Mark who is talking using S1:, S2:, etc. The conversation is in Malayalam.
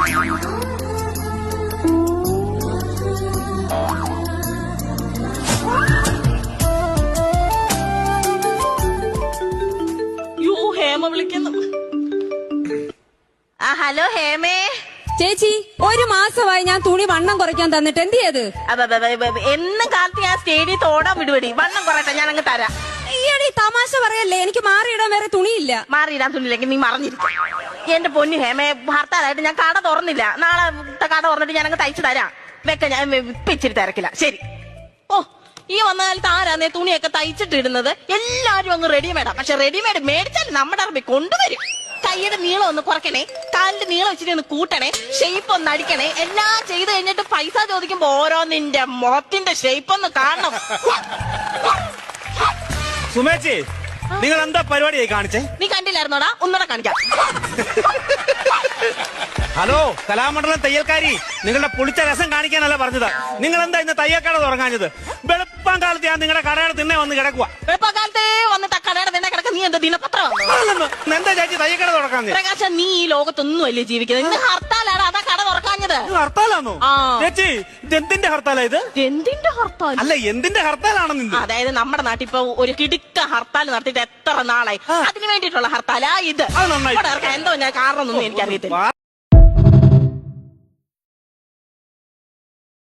S1: ഹേമ വിളിക്കുന്നു. ഹലോ ഹേമേ
S2: ചേച്ചി, ഒരു മാസമായി ഞാൻ തുണി വണ്ണം കുറയ്ക്കാൻ തന്നിട്ട് എന്ത് ചെയ്ത്?
S1: എന്നും കാലത്ത് ഞാൻ സ്റ്റേഡിയത്ത് ഓടാൻ വിടുപടി. വണ്ണം കുറയട്ടെ, ഞാൻ അങ്ങ് തരാം.
S2: ഈയടി തമാശ പറയല്ലേ, എനിക്ക് മാറിയിടാൻ വേറെ തുണിയില്ല.
S1: മാറിയിടാൻ തുണിയില്ലെങ്കിൽ നീ മറിഞ്ഞിരിക്കും. എന്റെ പൊന്നു ഹേമേ, ഹർത്താലായിട്ട് ഞാൻ കട തുറന്നില്ല. നാളെ കട തുറന്നിട്ട് ഞാൻ അങ്ങ് തയ്ച്ചു തരാം. വെക്ക, ഞാൻ ഇപ്പൊ ഇച്ചിരി തിരക്കില്ല. ശരി. ഓ, ഈ വന്ന കാലത്ത് ആരാന്നേ തുണിയൊക്കെ തയ്ച്ചിട്ടിടുന്നത്? എല്ലാരും അങ്ങ് റെഡിമേഡാ. പക്ഷെ റെഡിമേഡ് മേടിച്ചാൽ നമ്മുടെ അറബി കൊണ്ടുവരും. കൈയുടെ നീളം ഒന്ന് കുറയ്ക്കണേ, കാലിന്റെ നീളം വെച്ചിട്ട് ഒന്ന് കൂട്ടണേ, ഷേപ്പ് ഒന്ന് അടിക്കണേ. എല്ലാം ചെയ്ത് കഴിഞ്ഞിട്ട് പൈസ ചോദിക്കുമ്പോ ഓരോ നിന്റെ മുഖത്തിന്റെ ഷേപ്പ് ഒന്ന് കാണണം.
S3: സുമേച്ചി, നിങ്ങൾ എന്താ പരിപാടിയായി കാണിച്ചേ?
S1: നീ കണ്ടില്ലായിരുന്നോടാ? ഒന്നുകൂടെ കാണിക്കാം.
S3: ഹലോ കലാമണ്ഡലം തയ്യൽക്കാരി, നിങ്ങളുടെ പൊളിച്ച രസം കാണിക്കാനല്ല പറഞ്ഞത്. നിങ്ങൾ എന്താ ഇന്ന് തയ്യൽക്കട തുടങ്ങാഞ്ഞത്? വെളുപ്പാൻ കാലത്ത് ഞാൻ നിങ്ങളുടെ കടയുടെ തിന്നെ വന്ന് കിടക്കുക.
S1: വെളുപ്പക്കാലത്തെ വന്നിട്ട് കടയുടെ തിന്നെ കിടക്ക. നീ എന്താ ദിനപത്രം?
S3: എന്താ ചേച്ചി തയ്യൽക്കട തുറക്കാൻ?
S1: പ്രകാശ, നീ ഈ ലോകത്തൊന്നും അല്ലേ ജീവിക്കുന്നത്? ഇന്ന് ഹർത്താലാണ്, അതാ കട തുറക്കാഞ്ഞത്.
S3: ഹർത്താലാണോ ചേച്ചി? എന്തിന്റെ ഹർത്താലാ ഇത്?
S1: എന്തിന്റെ ഹർത്താൽ?
S3: അല്ല, എന്തിന്റെ ഹർത്താലാണെന്ന്?
S1: അതായത് നമ്മുടെ നാട്ടിൽ ഇപ്പൊ ഒരു കിടുക്ക ഹർത്താൽ നടത്തിയിട്ട് എത്ര നാളായി? അതിന് വേണ്ടിയിട്ടുള്ള ഹർത്താലാ ഇത്.
S3: അത് നന്നായി.
S1: എന്തോ ഞാൻ കാരണം ഒന്നും എനിക്കറിയത്തില്ല.